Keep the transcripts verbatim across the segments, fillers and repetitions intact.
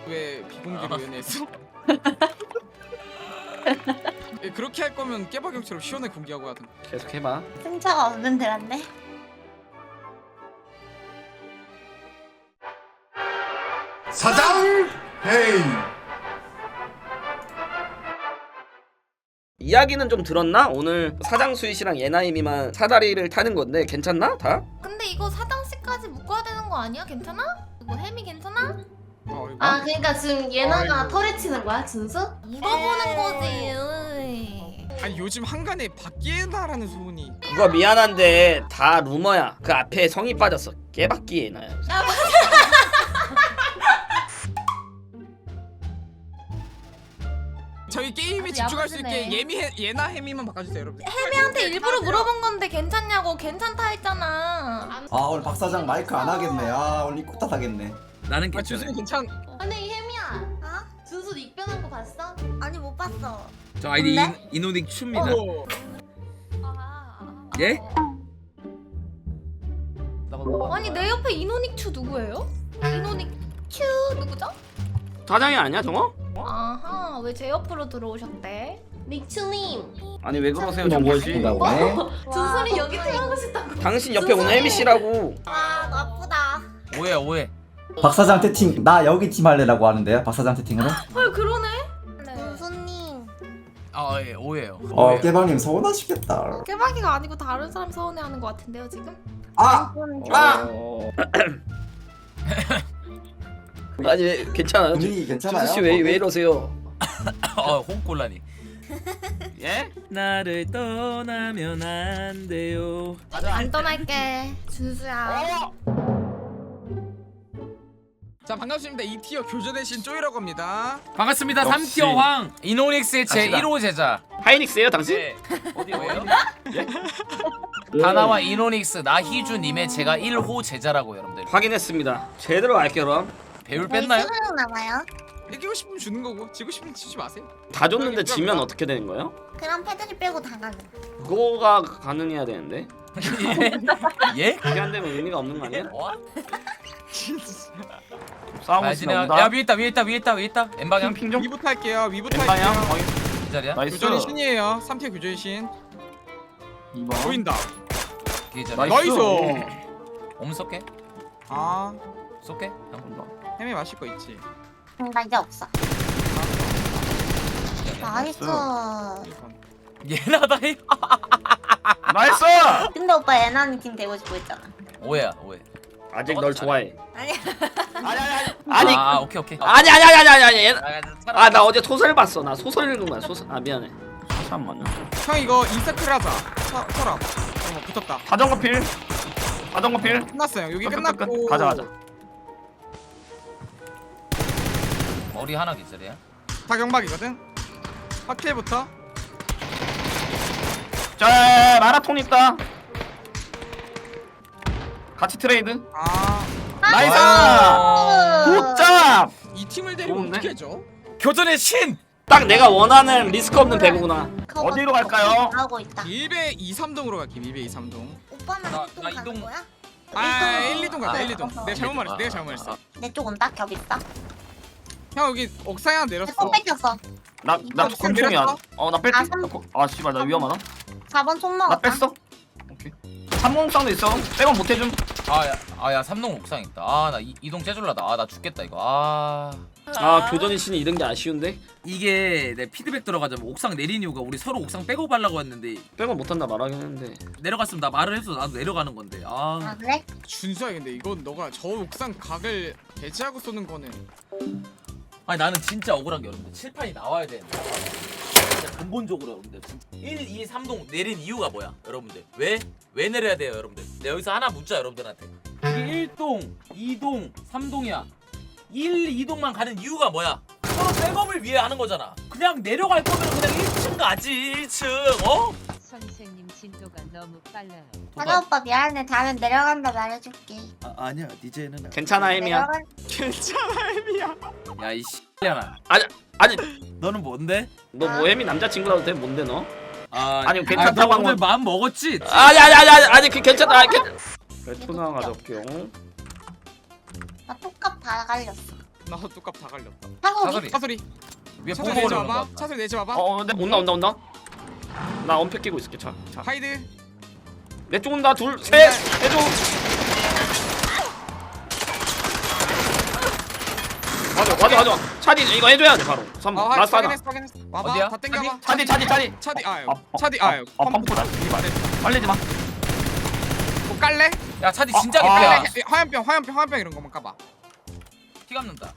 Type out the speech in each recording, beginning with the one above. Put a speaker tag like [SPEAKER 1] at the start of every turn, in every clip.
[SPEAKER 1] 왜 비공개로
[SPEAKER 2] 아.
[SPEAKER 1] 연애했어? 예, 그렇게 할 거면 깨박형처럼 시원하게 공개하고 하든.
[SPEAKER 3] 계속 해봐.
[SPEAKER 4] 승차가 없는 데란데.
[SPEAKER 5] 사장 헤이.
[SPEAKER 3] 이야기는 좀 들었나? 오늘 사장 수이씨랑 예나임이만 사다리를 타는 건데 괜찮나? 다?
[SPEAKER 6] 근데 이거 사장씨까지 묶어야 되는 거 아니야? 괜찮아? 이거 햄이 괜찮아?
[SPEAKER 1] 어, 이거?
[SPEAKER 4] 아 그러니까 지금 예나가
[SPEAKER 1] 아이고.
[SPEAKER 4] 털에 치는 거야 준수?
[SPEAKER 6] 물어보는 거지. 으이.
[SPEAKER 1] 아니 요즘 한간에 바뀌다라는 소문이.
[SPEAKER 3] 그거 미안한데 다 루머야. 그 앞에 성이 빠졌어. 깨박기 예나야.
[SPEAKER 1] 저희 게임에
[SPEAKER 6] 아주
[SPEAKER 1] 집중할 수 있게
[SPEAKER 6] 야무지네.
[SPEAKER 1] 예미 예나 해미만 바꿔주세요 여러분.
[SPEAKER 6] 햄이한테 일부러 물어본 건데 괜찮냐고. 괜찮다 했잖아.
[SPEAKER 5] 아 오늘 박 사장 마이크 안 하겠네. 아 오늘 입고 탓하겠네.
[SPEAKER 2] 나는
[SPEAKER 1] 아
[SPEAKER 2] 괜찮아.
[SPEAKER 1] 주승이 괜찮.
[SPEAKER 4] 아니 혜미야.
[SPEAKER 6] 어?
[SPEAKER 4] 준수 입변한 거 봤어?
[SPEAKER 6] 아니 못 봤어.
[SPEAKER 2] 저 아이디
[SPEAKER 4] 뭔데?
[SPEAKER 2] 인, 이노닉 춥니다.
[SPEAKER 1] 어.
[SPEAKER 6] 아,
[SPEAKER 2] 예?
[SPEAKER 6] 아니 내 옆에 이노닉추 누구예요? 이노닉추 누구죠?
[SPEAKER 3] 사장이 아니야 정어?
[SPEAKER 6] 아하, 왜 제 옆으로 들어오셨대?
[SPEAKER 4] 닉추님.
[SPEAKER 3] 아니 왜 그러세요 정거지?
[SPEAKER 5] 보네.
[SPEAKER 4] 준수이 여기 태어나고 싶다고.
[SPEAKER 3] 당신 옆에 오는 혜미씨라고.
[SPEAKER 6] 아, 나쁘다.
[SPEAKER 2] 오해 오해.
[SPEAKER 5] 박 사장 채팅 나 여기 팀 할래라고 하는데요. 박 사장 채팅으로.
[SPEAKER 6] 헐, 그러네. 네.
[SPEAKER 4] 준수님.
[SPEAKER 2] 아 예 오해요.
[SPEAKER 5] 어
[SPEAKER 2] 오해요.
[SPEAKER 5] 깨방님 서운하시겠다.
[SPEAKER 6] 깨박이가 아니고 다른 사람 서운해하는 것 같은데요 지금?
[SPEAKER 5] 아
[SPEAKER 3] 아! 아니 왜 괜찮아요?
[SPEAKER 5] 분위기 괜찮아요?
[SPEAKER 3] 주수씨 왜, 왜 이러세요?
[SPEAKER 2] 어 홍콜라니.
[SPEAKER 3] 예?
[SPEAKER 2] 나를 떠나면 안 돼요.
[SPEAKER 6] 안 떠날게, 준수야.
[SPEAKER 1] 자 반갑습니다. 이 티어 교조대신 쪼이라고 합니다.
[SPEAKER 2] 반갑습니다.
[SPEAKER 3] 역시.
[SPEAKER 2] 삼 티어 황 이노닉스의 제
[SPEAKER 3] 갑시다.
[SPEAKER 2] 일 호 제자.
[SPEAKER 3] 하이닉스예요 당신?
[SPEAKER 2] 네. 어디 왜요? 다나와 이노닉스 나희주님의 제가 일 호 제자라고 여러분들.
[SPEAKER 3] 확인했습니다. 제대로 알게요 그럼.
[SPEAKER 2] 배울 뺐나요?
[SPEAKER 4] 수능 남아요?
[SPEAKER 1] 이기고 싶으면 주는 거고 지고 싶으면 치지 마세요.
[SPEAKER 3] 다 줬는데 지면 어떻게 되는 거예요?
[SPEAKER 4] 그럼 패드립 빼고 다 가는.
[SPEAKER 3] 그거가 가능해야 되는데
[SPEAKER 2] 예?
[SPEAKER 3] 그게 안 되면 의미가 없는 거 아니야?
[SPEAKER 2] 와?
[SPEAKER 3] 싸우고
[SPEAKER 2] 알지
[SPEAKER 3] 있으나
[SPEAKER 2] 내가.
[SPEAKER 3] 보다.
[SPEAKER 2] 야 위에 있다 위에 있다 위에 있다 위에 있다. 엠방향
[SPEAKER 3] 핑 좀.
[SPEAKER 1] 위부터 할게요. 위부터
[SPEAKER 3] 엠방향.
[SPEAKER 1] 할게요.
[SPEAKER 3] 거기.
[SPEAKER 2] 이 자리야?
[SPEAKER 3] 나이스.
[SPEAKER 1] 교전의 신이에요. 삼 티어 교전의 신.
[SPEAKER 3] 이 번.
[SPEAKER 1] 보인다.
[SPEAKER 2] 이 자리야.
[SPEAKER 3] 나이스.
[SPEAKER 1] 나이스.
[SPEAKER 2] 옴 쏠게.
[SPEAKER 1] 아
[SPEAKER 2] 쏠게.
[SPEAKER 1] 해미 마실 거 있지.
[SPEAKER 4] 응, 나 이제 없어. 나이스.
[SPEAKER 1] 이건.
[SPEAKER 2] 얘나다 이.
[SPEAKER 3] 나이스.
[SPEAKER 4] 근데 오빠 예나님 팀 되고 싶어 했잖아.
[SPEAKER 2] 오해야 오해.
[SPEAKER 3] 아직 널 좋아해.
[SPEAKER 6] 아니야.
[SPEAKER 3] 아니 아니 아니. 아니
[SPEAKER 2] 아 오케이 오케이.
[SPEAKER 3] 아니 아니 아니 아니 아니.
[SPEAKER 2] 아
[SPEAKER 3] 아 나 어제 소설 봤어. 나 소설 읽은 거야. 소설. 아 미안해. 소설 안 맞나?
[SPEAKER 1] 형 이거 인서클 하자. 서, 서랍. 어 붙었다.
[SPEAKER 3] 자전거 필. 자전거 필.
[SPEAKER 1] 끝났어요. 여기
[SPEAKER 3] 끝, 끝,
[SPEAKER 1] 끝났고.
[SPEAKER 3] 끝. 가자 가자.
[SPEAKER 2] 머리 하나 기절이야.
[SPEAKER 1] 다 경박이거든. 확킬부터.
[SPEAKER 3] 자 마라톤 있다. 같이 트레이드.
[SPEAKER 1] 아.
[SPEAKER 3] 나이스.
[SPEAKER 2] 아.
[SPEAKER 3] 굿잡.
[SPEAKER 1] 이 팀을 데리고
[SPEAKER 3] 좋은데?
[SPEAKER 1] 어떻게 해줘?
[SPEAKER 2] 교전의 신.
[SPEAKER 3] 딱 내가 원하는 리스크 없는 배구구나.
[SPEAKER 4] 그거
[SPEAKER 3] 어디로
[SPEAKER 4] 막
[SPEAKER 3] 갈까요?
[SPEAKER 4] 하고 있다.
[SPEAKER 1] 일 배 이, 삼 동으로 갈게. 일 배 이, 삼 동.
[SPEAKER 4] 오빠는
[SPEAKER 2] 나-
[SPEAKER 4] 이동
[SPEAKER 2] 나
[SPEAKER 4] 가는
[SPEAKER 2] 이동-
[SPEAKER 4] 거야?
[SPEAKER 1] 아,
[SPEAKER 4] 일동.
[SPEAKER 1] 일, 이 동 가자.
[SPEAKER 2] 아,
[SPEAKER 1] 일, 이 동.
[SPEAKER 4] 어,
[SPEAKER 1] 내가 잘못 말했어.
[SPEAKER 2] 아,
[SPEAKER 1] 내가 잘못 말했어.
[SPEAKER 2] 아,
[SPEAKER 4] 내 쪽 온다. 겹 있다.
[SPEAKER 1] 형 여기 옥상에 하나 내렸어.
[SPEAKER 4] 내폰 뺏겼어.
[SPEAKER 3] 나나
[SPEAKER 1] 이거
[SPEAKER 3] 권총이야.
[SPEAKER 1] 내렸어?
[SPEAKER 3] 어나 뺄게.
[SPEAKER 4] 아, 삼-
[SPEAKER 3] 아 씨발 나 위험하다.
[SPEAKER 4] 사 번 총
[SPEAKER 3] 나
[SPEAKER 4] 먹었다.
[SPEAKER 3] 뺐어. 오케이. 삼공옥상도 있어. 백원 못 해줌.
[SPEAKER 2] 아야 아야 삼동 옥상 있다. 아나 이동 째줄라다. 아 나 죽겠다 이거. 아
[SPEAKER 3] 아 교전의 신이 이런 게 아쉬운데.
[SPEAKER 2] 이게 내 피드백 들어가자면 옥상 내린 이유가 우리 서로 옥상 빼고 가려고 했는데
[SPEAKER 3] 백원 못 한다 말하긴 했는데. 내려갔으면
[SPEAKER 2] 내려갔으면 나 말을 해서 나도 내려가는 건데. 아
[SPEAKER 4] 아 그래?
[SPEAKER 1] 준수야 근데 이건 너가 저 옥상 각을 배제하고 쏘는 거는
[SPEAKER 2] 아니 나는 진짜 억울한 게 여러분들 칠판이 나와야 되는데 진짜 근본적으로 여러분들 일, 이, 삼동 내린 이유가 뭐야 여러분들 왜? 왜 내려야 돼요 여러분들 내가 여기서 하나 묻자 여러분들한테 이게 일 동, 이 동, 삼 동이야 일, 이 동만 가는 이유가 뭐야? 서로 백업을 위해 하는 거잖아 그냥 내려갈 거면 그냥 일 층 가지 일 층 어?
[SPEAKER 7] 선생님 진도가 너무 빨라요.
[SPEAKER 4] 하나 오빠 미안해. 다음엔 내려간다 말해줄게.
[SPEAKER 2] 아, 아니야 니제는
[SPEAKER 3] 괜찮아 혜미야.
[SPEAKER 4] 내려간.
[SPEAKER 1] 괜찮아 혜미야.
[SPEAKER 2] 야이 씨X년아
[SPEAKER 3] 아니 아니
[SPEAKER 2] 너는 뭔데?
[SPEAKER 3] 너 뭐 혜미 남자친구라도 돼? 뭔데 너?
[SPEAKER 2] 아,
[SPEAKER 3] 아니, 괜찮다고
[SPEAKER 2] 너
[SPEAKER 3] 한
[SPEAKER 2] 오늘
[SPEAKER 3] 건-
[SPEAKER 2] 마음 먹었지?
[SPEAKER 3] 아니 아니 아니 아니 아니 그 괜찮아. 아니, 괜... 그래 투나 가져올게요.
[SPEAKER 4] 나 톡값 다 갈렸어.
[SPEAKER 1] 나도 뚜껑 다 갈렸다.
[SPEAKER 4] 사거리.
[SPEAKER 2] 사거리
[SPEAKER 1] 차소리.
[SPEAKER 2] 위에
[SPEAKER 1] 차소리
[SPEAKER 2] 보고
[SPEAKER 1] 내지
[SPEAKER 2] 오는 거
[SPEAKER 1] 마봐.
[SPEAKER 2] 같다.
[SPEAKER 1] 차소리 내지 마봐.
[SPEAKER 3] 어 근데 온다 온다 온다. 나 엄폐 끼고 있을게. 자, 자.
[SPEAKER 1] 하이드.
[SPEAKER 3] 내 쪽 온다. 둘, 셋. 해줘. 맞아, 맞아, 맞아. 차디 이거 해줘야 돼 바로. 삼
[SPEAKER 1] 아,
[SPEAKER 3] 번. 라스트 하나.
[SPEAKER 1] 확인했어, 확인했어. 와봐.
[SPEAKER 2] 어디야?
[SPEAKER 1] 다 땡겨봐.
[SPEAKER 3] 차디, 차디, 차디.
[SPEAKER 1] 차디, 아,
[SPEAKER 5] 아,
[SPEAKER 1] 차디,
[SPEAKER 5] 아,
[SPEAKER 1] 아,
[SPEAKER 5] 아, 펌프다. 이발. 빨리지 마.
[SPEAKER 1] 뭐 깔래?
[SPEAKER 2] 야 차디
[SPEAKER 5] 아,
[SPEAKER 2] 진짜
[SPEAKER 5] 아.
[SPEAKER 2] 개피야.
[SPEAKER 1] 깔래? 화염병, 화염병, 화염병 이런 거만 까봐.
[SPEAKER 2] 피 감는다.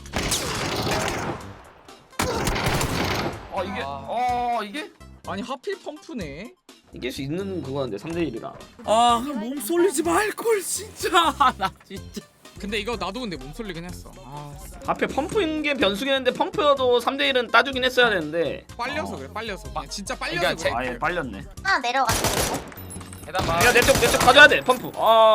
[SPEAKER 5] 어 이게
[SPEAKER 2] 아.
[SPEAKER 5] 어 이게
[SPEAKER 1] 아니 하필 펌프네.
[SPEAKER 3] 이길 수 있는 그거인데 삼 대 일이라.
[SPEAKER 2] 아몸 쏠리지 말걸 진짜. 나 진짜.
[SPEAKER 1] 근데 이거 나도 근데 몸 쏠리긴 했어. 아,
[SPEAKER 3] 앞에 펌프인 게 변수겠는데 펌프여도 삼 대 일은 따주긴 했어야 되는데.
[SPEAKER 1] 빨려서 그래, 빨려서. 그냥 진짜 빨려서
[SPEAKER 2] 그러니까
[SPEAKER 1] 그래.
[SPEAKER 5] 아예 빨렸네.
[SPEAKER 4] 하나 내려갔어.
[SPEAKER 2] 해당 봐.
[SPEAKER 3] 야, 내쪽 내 쪽 가져야 돼. 펌프. 아.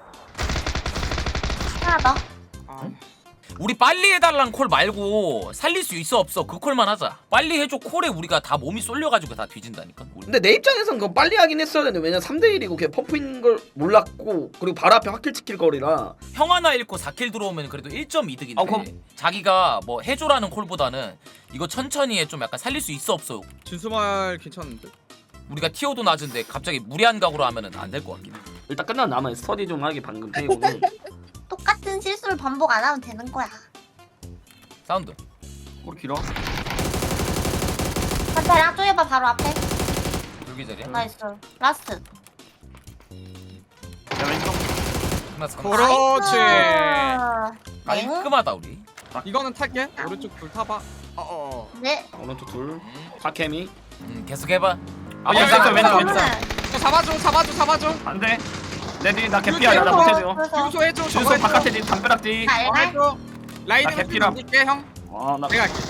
[SPEAKER 4] 하나 더.
[SPEAKER 1] 아,
[SPEAKER 2] 우리 빨리 해달란 콜 말고 살릴 수 있어 없어 그 콜만 하자. 빨리 해줘 콜에 우리가 다 몸이 쏠려가지고 다 뒤진다니까. 우리.
[SPEAKER 3] 근데 내 입장에선 그거 빨리 하긴 했어야 되는데 왜냐면 삼 대 일이고 그냥 펌프인 걸 몰랐고 그리고 바로 앞에 확킬 찍힐 거리라.
[SPEAKER 2] 형 하나 잃고 사 킬 들어오면 그래도 일 점 이득인데
[SPEAKER 3] 아, 그럼-
[SPEAKER 2] 자기가 뭐 해줘라는 콜보다는 이거 천천히 해 좀 약간 살릴 수 있어 없어.
[SPEAKER 1] 준수말 괜찮은데.
[SPEAKER 2] 우리가 티오도 낮은데 갑자기 무리한 각오로 하면은 안 될 것 같긴 해.
[SPEAKER 3] 일단 끝난 남아 스터디 좀 하기 방금 페이고는.
[SPEAKER 4] 똑같은 실수를 반복 안 하면 되는 거야.
[SPEAKER 2] 사운드.
[SPEAKER 5] 꼬리 길어.
[SPEAKER 4] 반대랑 쪼여봐 바로 앞에.
[SPEAKER 2] 여기 자리야.
[SPEAKER 4] 나이스. 라스트.
[SPEAKER 5] 야 왼쪽.
[SPEAKER 2] 끝났어.
[SPEAKER 1] 그렇지.
[SPEAKER 4] 나이스.
[SPEAKER 2] 깔끔하다 우리.
[SPEAKER 1] 이거는 탈게. 오른쪽 불 타봐. 어, 어, 어.
[SPEAKER 4] 네.
[SPEAKER 3] 오른쪽 둘. 파케미.
[SPEAKER 2] 음 계속 해봐.
[SPEAKER 5] 아,
[SPEAKER 1] 야,
[SPEAKER 5] 왼쪽,
[SPEAKER 1] 야,
[SPEAKER 5] 왼쪽,
[SPEAKER 1] 야,
[SPEAKER 5] 왼쪽.
[SPEAKER 1] 저 잡아줘, 잡아줘, 잡아줘.
[SPEAKER 5] 안 돼. 내 뒤 나 개피야. 나 못해줘.
[SPEAKER 1] 준수 해줘, 저거
[SPEAKER 5] 준수
[SPEAKER 1] 해줘.
[SPEAKER 5] 바깥에 뒤 담벼락 뒤.
[SPEAKER 1] 어,
[SPEAKER 4] 잘.
[SPEAKER 1] 해줘. 라이드
[SPEAKER 5] 나 개피라.
[SPEAKER 1] 줄게 형.
[SPEAKER 5] 와나
[SPEAKER 1] 내가 할게.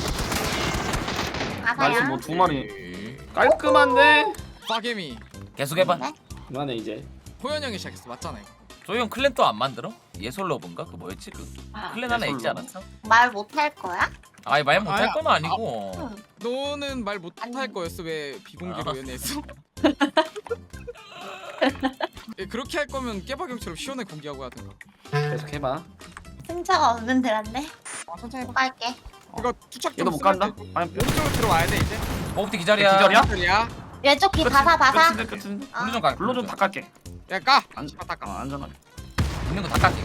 [SPEAKER 5] 나이스
[SPEAKER 4] 아사야.
[SPEAKER 5] 뭐 두 마리.
[SPEAKER 3] 깔끔한데.
[SPEAKER 1] 파게미.
[SPEAKER 2] 계속 해봐.
[SPEAKER 4] 네?
[SPEAKER 3] 그만해 이제.
[SPEAKER 1] 호연 형이 시작했어, 맞잖아 이거.
[SPEAKER 2] 조용 클랜 또 안 만들어? 예솔러브인가? 그 뭐였지 그 클랜 하나 있지
[SPEAKER 5] 예솔러브?
[SPEAKER 2] 않았어?
[SPEAKER 4] 말 못할 거야?
[SPEAKER 2] 아니 말 못할
[SPEAKER 1] 아야.
[SPEAKER 2] 건 아니고.
[SPEAKER 4] 응.
[SPEAKER 1] 너는 말 못할
[SPEAKER 4] 아니.
[SPEAKER 1] 거였어. 왜 비공개로
[SPEAKER 2] 알았어.
[SPEAKER 1] 연애했어? 예, 그렇게 할 거면 깨박형처럼 시원하게 공개하고 하든가.
[SPEAKER 3] 계속 해봐.
[SPEAKER 4] 승차가 없는 데란데.
[SPEAKER 1] 아, 천천히 해봐.
[SPEAKER 4] 갈게.
[SPEAKER 1] 이거 투척
[SPEAKER 5] 얘도
[SPEAKER 1] 좀
[SPEAKER 5] 못 간다.
[SPEAKER 1] 쓰면 되고.
[SPEAKER 5] 아니
[SPEAKER 1] 오른쪽으로 들어와야 돼 이제.
[SPEAKER 2] 오프티 기절이야.
[SPEAKER 5] 기절이야?
[SPEAKER 1] 소리야.
[SPEAKER 4] 왼쪽 귀 바사 바사.
[SPEAKER 5] 끝인데 끝인데.
[SPEAKER 4] 어.
[SPEAKER 2] 블루 좀 가.
[SPEAKER 5] 블루 좀 닦을게.
[SPEAKER 1] 야 까.
[SPEAKER 5] 안-
[SPEAKER 1] 씨발 닦아.
[SPEAKER 5] 어 안전하게.
[SPEAKER 2] 있는 거 다 깎게.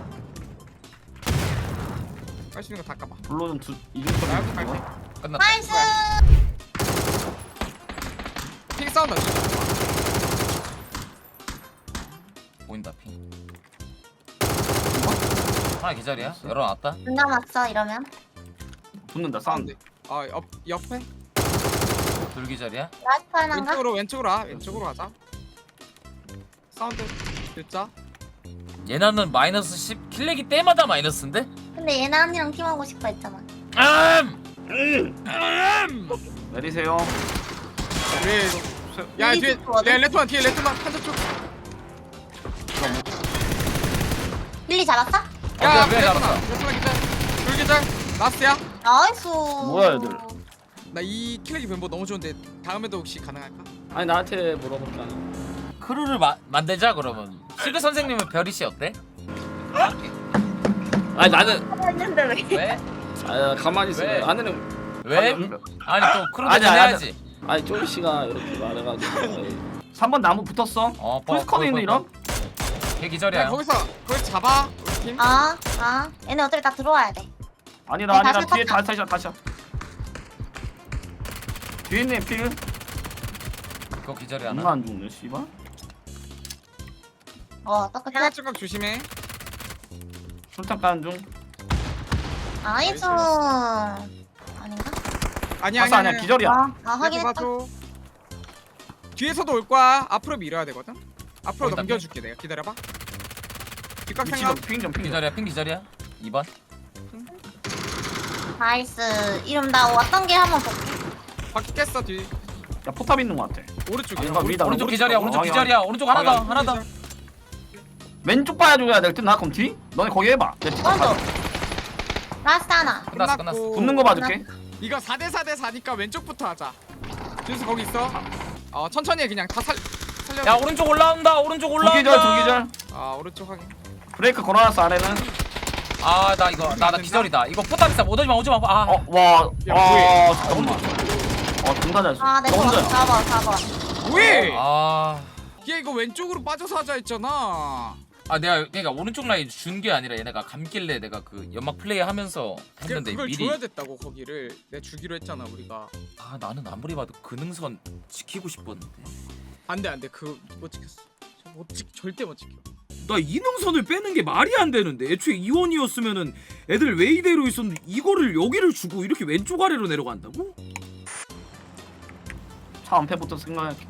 [SPEAKER 1] 깔 수 있는 거 닦아봐.
[SPEAKER 5] 블루 좀두
[SPEAKER 1] 나
[SPEAKER 5] 이중거리.
[SPEAKER 1] 해볼게 갈게.
[SPEAKER 2] 끝났다.
[SPEAKER 4] 나이스.
[SPEAKER 1] 핑 사운드.
[SPEAKER 2] 보인다 피. 하나 기절이야. 열어놨다.
[SPEAKER 4] 눈 남았어 이러면.
[SPEAKER 5] 붙는다 사운드.
[SPEAKER 1] 아 옆, 옆에.
[SPEAKER 2] 둘 기절이야.
[SPEAKER 4] 라스트 하나인가?
[SPEAKER 1] 왼쪽으로 왼쪽으로 와. 왼쪽으로 가자. 사운드 듣자.
[SPEAKER 2] 얘나는 마이너스 십 킬렉이 때마다 마이너스인데?
[SPEAKER 4] 근데 얘나 언니랑 팀하고 싶어 했잖아.
[SPEAKER 2] 음!
[SPEAKER 5] 내리세요.
[SPEAKER 1] 왜? 야
[SPEAKER 4] 우리
[SPEAKER 1] 뒤에
[SPEAKER 4] 집 좋아하네.
[SPEAKER 1] 야 레토나 뒤에 레토나 한쪽 쪽.
[SPEAKER 4] 빌리 잡았어?
[SPEAKER 1] 야
[SPEAKER 2] 왜
[SPEAKER 1] 레토나
[SPEAKER 2] 잡았어?
[SPEAKER 1] 레토나 기절. 둘 기절. 라스트야.
[SPEAKER 4] 나이스.
[SPEAKER 5] 뭐야, 얘들.
[SPEAKER 1] 나 이 킬렉이 멤버 너무 좋은데 다음에도 혹시 가능할까?
[SPEAKER 3] 아니 나한테 물어볼게 아니.
[SPEAKER 2] 크루를 마, 만들자 그러면. 시그 선생님은 별이 씨 어때?
[SPEAKER 3] 아니 나는
[SPEAKER 4] 했는데 왜?
[SPEAKER 2] 왜?
[SPEAKER 3] 아 가만히 있어.
[SPEAKER 2] 왜?
[SPEAKER 3] 아내는
[SPEAKER 2] 왜?
[SPEAKER 5] 아니,
[SPEAKER 2] 아니 또 크루
[SPEAKER 5] 아니, 아니,
[SPEAKER 2] 대전해야지.
[SPEAKER 3] 아니 쪼이 씨가 이렇게 말해가지고.
[SPEAKER 5] 삼 번 나무 붙었어.
[SPEAKER 2] 어,
[SPEAKER 5] 풀스컨인데 이런?
[SPEAKER 2] 걔
[SPEAKER 1] 야
[SPEAKER 2] 기절이야.
[SPEAKER 1] 거기서 거기 잡아 우리 팀.
[SPEAKER 4] 아, 아. 얘네 어차피 다 들어와야 돼.
[SPEAKER 5] 아니다
[SPEAKER 4] 아니,
[SPEAKER 5] 아니다
[SPEAKER 4] 다시
[SPEAKER 5] 뒤에
[SPEAKER 4] 떴다.
[SPEAKER 5] 다시 다시 다시. 뒤에 있네 필.
[SPEAKER 2] 그거 기절이
[SPEAKER 5] 얼마
[SPEAKER 2] 하나.
[SPEAKER 5] 안 죽네 씨발.
[SPEAKER 4] 어, 똑같아.
[SPEAKER 1] 해가 조각 조심해.
[SPEAKER 5] 술탄 까는 중.
[SPEAKER 4] 나이스. 아닌가?
[SPEAKER 1] 아니야
[SPEAKER 5] 아싸
[SPEAKER 1] 아니야
[SPEAKER 5] 아니야 기절이야.
[SPEAKER 4] 아, 아
[SPEAKER 1] 확인
[SPEAKER 4] 확인했다.
[SPEAKER 1] 봐줘. 뒤에서도 올 거야. 앞으로 밀어야 되거든. 앞으로
[SPEAKER 2] 거기다
[SPEAKER 1] 넘겨줄게 내가. 기다려봐. 뒷각
[SPEAKER 5] 위치도
[SPEAKER 1] 생각.
[SPEAKER 5] 핑좀 핑.
[SPEAKER 2] 기절이야. 핑 기절이야. 이 번.
[SPEAKER 4] 나이스. 이름 나 왔던 길 한번 볼게.
[SPEAKER 1] 바퀴 깼어 뒤.
[SPEAKER 5] 야 포탑 있는 거 같아.
[SPEAKER 1] 오른쪽이야.
[SPEAKER 5] 아닌가 위다.
[SPEAKER 2] 오른쪽 기절이야. 오른쪽
[SPEAKER 5] 어,
[SPEAKER 2] 기절이야. 오른쪽 하나 더.
[SPEAKER 1] 아,
[SPEAKER 2] 하나 더.
[SPEAKER 5] 왼쪽 봐줘야 될 듯 나 그럼 뒤? 너네 거기 해봐. 내 뒤.
[SPEAKER 4] 오른쪽. 라스트 하나.
[SPEAKER 2] 끝났어. 끝났어.
[SPEAKER 5] 붙는 거 봐줄게.
[SPEAKER 1] 이거 사 대 사 대 사니까 왼쪽부터 하자. 준수 거기 있어. 어 천천히 해 그냥 다 살. 살려.
[SPEAKER 2] 야 오른쪽 올라온다. 오른쪽
[SPEAKER 5] 두
[SPEAKER 2] 올라온다.
[SPEAKER 5] 기절 두 기절.
[SPEAKER 1] 아 오른쪽 확인.
[SPEAKER 5] 브레이크 걸어놨어 아래는.
[SPEAKER 2] 아 나 이거 나 나 기절이다. 이거 포탑 있어. 오더지마 오지마. 아.
[SPEAKER 5] 어, 와,
[SPEAKER 1] 야,
[SPEAKER 5] 아, 잠깐만. 어, 존나 잘 쏘.
[SPEAKER 4] 아, 내
[SPEAKER 5] 너
[SPEAKER 4] 거.
[SPEAKER 5] 혼자야.
[SPEAKER 4] 사 번, 사 번.
[SPEAKER 1] 왜?
[SPEAKER 2] 아.
[SPEAKER 1] 얘 이거 왼쪽으로 빠져서 하자 했잖아.
[SPEAKER 2] 아 내가 그러니까 오른쪽 라인 준 게 아니라 얘네가 감길래 내가 그 연막 플레이 하면서
[SPEAKER 1] 그냥
[SPEAKER 2] 했는데
[SPEAKER 1] 그걸
[SPEAKER 2] 미리
[SPEAKER 1] 줘야 됐다고 거기를 내가 주기로 했잖아 우리가.
[SPEAKER 2] 아 나는 아무리 봐도 그 능선 지키고 싶었는데
[SPEAKER 1] 안돼 안돼 그 못 지켰어. 저못 지, 절대 못 지켜.
[SPEAKER 8] 나 이능선을 빼는 게 말이 안 되는데 애초에 이원이었으면은 애들 왜 이대로 있었는데 이거를 여기를 주고 이렇게 왼쪽 아래로 내려간다고?
[SPEAKER 5] 차 안패부터 생각할게.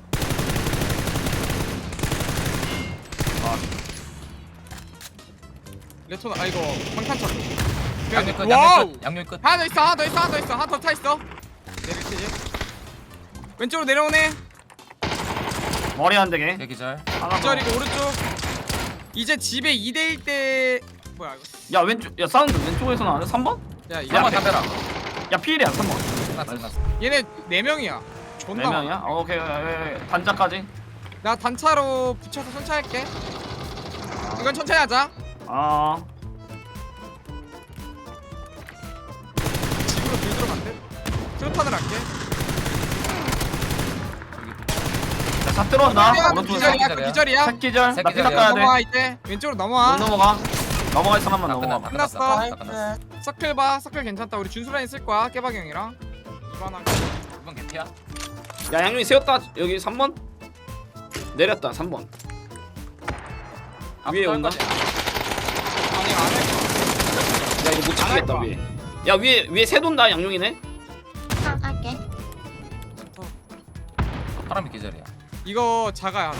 [SPEAKER 1] 레토나 아 이거 방탄차.
[SPEAKER 2] 양념 끝
[SPEAKER 1] 와우.
[SPEAKER 2] 양념 끝 양념 끝.
[SPEAKER 1] 하나 더 있어 하나 더 있어 하나 더 있어 하나 더 타 있어. 내릴 테지. 왼쪽으로 내려오네.
[SPEAKER 5] 머리 안 되게.
[SPEAKER 2] 내 기절.
[SPEAKER 5] 하나 더.
[SPEAKER 1] 기절이고 오른쪽. 이제 집에 이 대 일 때 뭐야 이거.
[SPEAKER 5] 야, 왼쪽. 야, 사운드 왼쪽에서 나왔네. 삼 번?
[SPEAKER 1] 야 이거
[SPEAKER 2] 한번 담배라.
[SPEAKER 5] 야, 피일이야, 삼 번.
[SPEAKER 2] 끝났어 끝났어.
[SPEAKER 1] 얘네 네 명이야. 존나.
[SPEAKER 5] 네 명이야? 어, 오케이, 오케이, 오케이. 단자까지.
[SPEAKER 1] 나 단차로 붙여서 천천히 할게. 이건 천천히 하자.
[SPEAKER 5] 아,
[SPEAKER 1] 집으로 들 들어간대. 트로탄을 할게.
[SPEAKER 5] 자, 다 들어온다.
[SPEAKER 1] 기절이야,
[SPEAKER 5] 오른쪽에서.
[SPEAKER 1] 기절이야, 그
[SPEAKER 2] 기절이야.
[SPEAKER 1] 기절이야.
[SPEAKER 5] 새끼절. 나
[SPEAKER 2] 새끼절이야.
[SPEAKER 5] 피딱 가야
[SPEAKER 1] 넘어와
[SPEAKER 5] 돼.
[SPEAKER 1] 이제 왼쪽으로
[SPEAKER 5] 못
[SPEAKER 1] 넘어와.
[SPEAKER 5] 넘어가. 넘어갈 사람만
[SPEAKER 2] 나
[SPEAKER 5] 넘어가.
[SPEAKER 2] 끝났다.
[SPEAKER 1] 끝났어.
[SPEAKER 2] 끝났어. 나 끝났어.
[SPEAKER 4] 나이스.
[SPEAKER 1] 서클 봐. 서클 괜찮다. 우리 준수라인 쓸 거야. 깨박이 형이랑. 이번 한.
[SPEAKER 2] 이번 개피야.
[SPEAKER 3] 야 양용이 세웠다. 여기 삼 번 내렸다. 삼 번 위에 온다.
[SPEAKER 1] 아니 안 해.
[SPEAKER 3] 야 이거 못 지키겠다 위에. 야 위에 위에 새 돈다. 양용이네.
[SPEAKER 4] 아, 할게.
[SPEAKER 2] 사람이 기절이야.
[SPEAKER 1] 이거 자가야.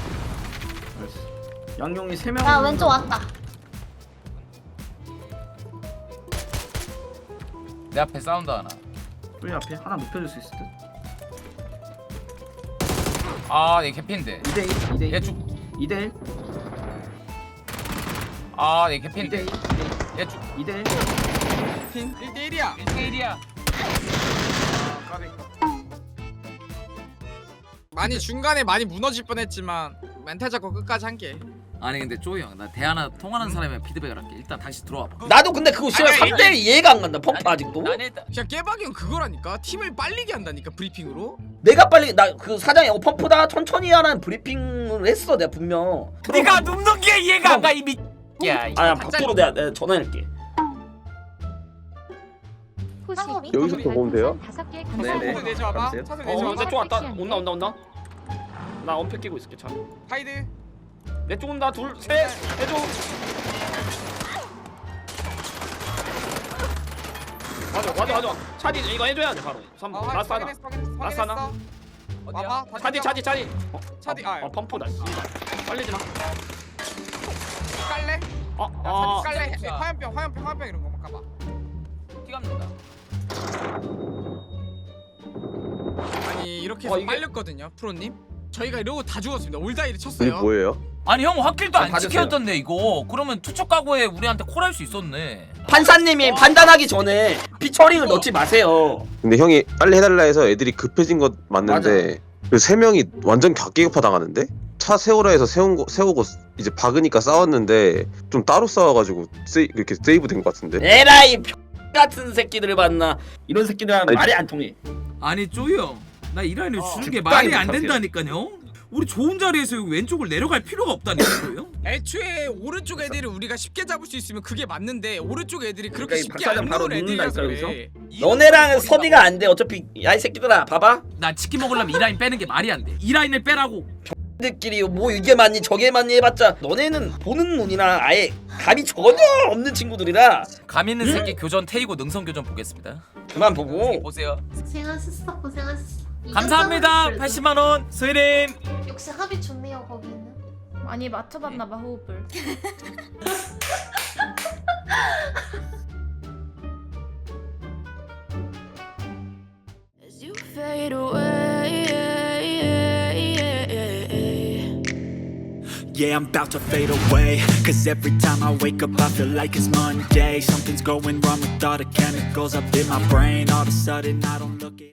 [SPEAKER 5] 양용이 세 명.
[SPEAKER 4] 야, 왼쪽 왔다.
[SPEAKER 2] 내 앞에 사운드 하나.
[SPEAKER 5] 우리 앞에 하나 눕혀줄 수 있을 듯.
[SPEAKER 2] 아, 얘 개피인데.
[SPEAKER 5] 이 대 일, 이 대 일.
[SPEAKER 2] 얘 쭉.
[SPEAKER 5] 이 대 일,
[SPEAKER 2] 아, 얘
[SPEAKER 5] 이 대
[SPEAKER 2] 개피인데.
[SPEAKER 5] 일,
[SPEAKER 2] 얘 쭉.
[SPEAKER 5] 이 대 일.
[SPEAKER 1] 핀 일 대 일이야.
[SPEAKER 2] 일 대 일이야.
[SPEAKER 1] 많이 중간에 많이 무너질 뻔했지만 멘탈 잡고 끝까지 한 게.
[SPEAKER 8] 아니 근데 쪼이 형나 대하나 통하는 사람이랑 피드백을 할게. 일단 다시 들어와 봐.
[SPEAKER 3] 나도 근데 그거 씨발
[SPEAKER 1] 아니,
[SPEAKER 3] 삼 대 일 이해가 안 간다. 펌프 아직도.
[SPEAKER 2] 난 일단
[SPEAKER 1] 그냥 깨박이 형 그거라니까. 팀을 빨리게 한다니까 브리핑으로.
[SPEAKER 3] 내가 빨리 나 그 사장이 어 펌프다 천천히 하라는 브리핑을 했어 내가 분명.
[SPEAKER 2] 네가 눕는 게 이해가 안 가 이미. 야, 이-
[SPEAKER 3] 아야 밥도로 내가, 내가 전화할게.
[SPEAKER 4] 쌍꺼비?
[SPEAKER 7] 여기서
[SPEAKER 9] 더 보면 돼요?
[SPEAKER 7] 다섯 개
[SPEAKER 3] 네네.
[SPEAKER 7] 감사합니다.
[SPEAKER 1] 차소리 내줘봐.
[SPEAKER 3] 알았어요?
[SPEAKER 1] 차소리
[SPEAKER 3] 어
[SPEAKER 1] 내줘봐.
[SPEAKER 3] 근데 좀 왔다. 온다 온다 온다. 나 엄폐 끼고 있을게 차.
[SPEAKER 1] 하이드.
[SPEAKER 3] 내 쪽 온다. 둘 셋. 해줘. 맞아 맞아 맞아. 차디 이거 해줘야 돼 바로. 삼
[SPEAKER 1] 어,
[SPEAKER 3] 번. 라스 하나.
[SPEAKER 1] 확인했어, 확인했어,
[SPEAKER 3] 라스 하나.
[SPEAKER 1] 확인했어.
[SPEAKER 2] 어디야?
[SPEAKER 1] 와봐. 다시
[SPEAKER 3] 차디
[SPEAKER 1] 가봐.
[SPEAKER 3] 차디 차디. 어,
[SPEAKER 1] 차디,
[SPEAKER 3] 어,
[SPEAKER 1] 아,
[SPEAKER 3] 어 펌프다. 빨리지 마.
[SPEAKER 1] 깔래?
[SPEAKER 3] 어,
[SPEAKER 1] 야,
[SPEAKER 3] 어.
[SPEAKER 1] 차디 깔래?
[SPEAKER 2] 진짜.
[SPEAKER 1] 화염병, 화염병, 화염병 이런 거만 까봐.
[SPEAKER 2] 피 감는다.
[SPEAKER 1] 아니 이렇게
[SPEAKER 3] 어,
[SPEAKER 1] 해서
[SPEAKER 3] 이게-
[SPEAKER 1] 빨렸거든요, 프로님. 저희가 이러고 다 죽었습니다. 올다이를
[SPEAKER 9] 이게
[SPEAKER 1] 쳤어요.
[SPEAKER 9] 뭐예요?
[SPEAKER 2] 아니 형 확길도
[SPEAKER 3] 자,
[SPEAKER 2] 안
[SPEAKER 3] 봐주세요.
[SPEAKER 2] 지켜줬던데 이거. 그러면 투척 각오에 우리한테 콜할 수 있었네.
[SPEAKER 3] 판사님이 판단하기 전에 피처링을 넣지 마세요.
[SPEAKER 9] 근데 형이 빨리 해달라 해서 애들이 급해진 것 맞는데 그 세 명이 완전 격기급파 당하는데? 차 세우라 해서 세운 거 세우고 이제 박으니까 싸웠는데 좀 따로 싸워가지고 세이, 이렇게 세이브 된 것 같은데?
[SPEAKER 3] 에라이 X 같은 새끼들을 봤나. 이런 새끼들하면
[SPEAKER 9] 아니,
[SPEAKER 3] 말이 안 통해.
[SPEAKER 8] 아니 쪼이 형나 이 라인을
[SPEAKER 1] 어,
[SPEAKER 8] 주는 게
[SPEAKER 3] 적당히
[SPEAKER 8] 말이 안
[SPEAKER 3] 부탁해요.
[SPEAKER 8] 된다니까요. 우리 좋은 자리에서 여기 왼쪽을 내려갈 필요가 없다니까요.
[SPEAKER 1] 애초에 오른쪽 애들을 우리가 쉽게 잡을 수 있으면 그게 맞는데 오른쪽 애들이 그렇게
[SPEAKER 3] 그러니까 이
[SPEAKER 1] 쉽게
[SPEAKER 3] 박사장
[SPEAKER 1] 안
[SPEAKER 3] 바로
[SPEAKER 1] 나올
[SPEAKER 3] 눕는다니까,
[SPEAKER 1] 애들이라서 그래.
[SPEAKER 3] 너네랑 섭이가 안 돼. 어차피 야 이 새끼들아 봐봐.
[SPEAKER 8] 나 치킨 먹으려면 이 라인 빼는 게 말이 안 돼. 이 라인을 빼라고.
[SPEAKER 3] 들끼리 뭐 이게 맞니 저게 맞니 해봤자 너네는 보는 눈이나 아예 감이 전혀 없는 친구들이라
[SPEAKER 2] 감 있는
[SPEAKER 3] 응?
[SPEAKER 2] 새끼 교전 태이고 능선 교전 보겠습니다.
[SPEAKER 3] 그만 보고.
[SPEAKER 2] 보세요.
[SPEAKER 6] 고생하셨어 고생하셨어.
[SPEAKER 2] 감사합니다. 팔십만 원 스위림.
[SPEAKER 6] 역시 합이 좋네요 거기는. 많이 맞춰봤나봐 호흡을.
[SPEAKER 10] As you fade away, yeah, I'm about to fade away. Cause every time I wake up, I feel like it's Monday. Something's going wrong with all the chemicals up in my brain. All of a sudden, I don't look it.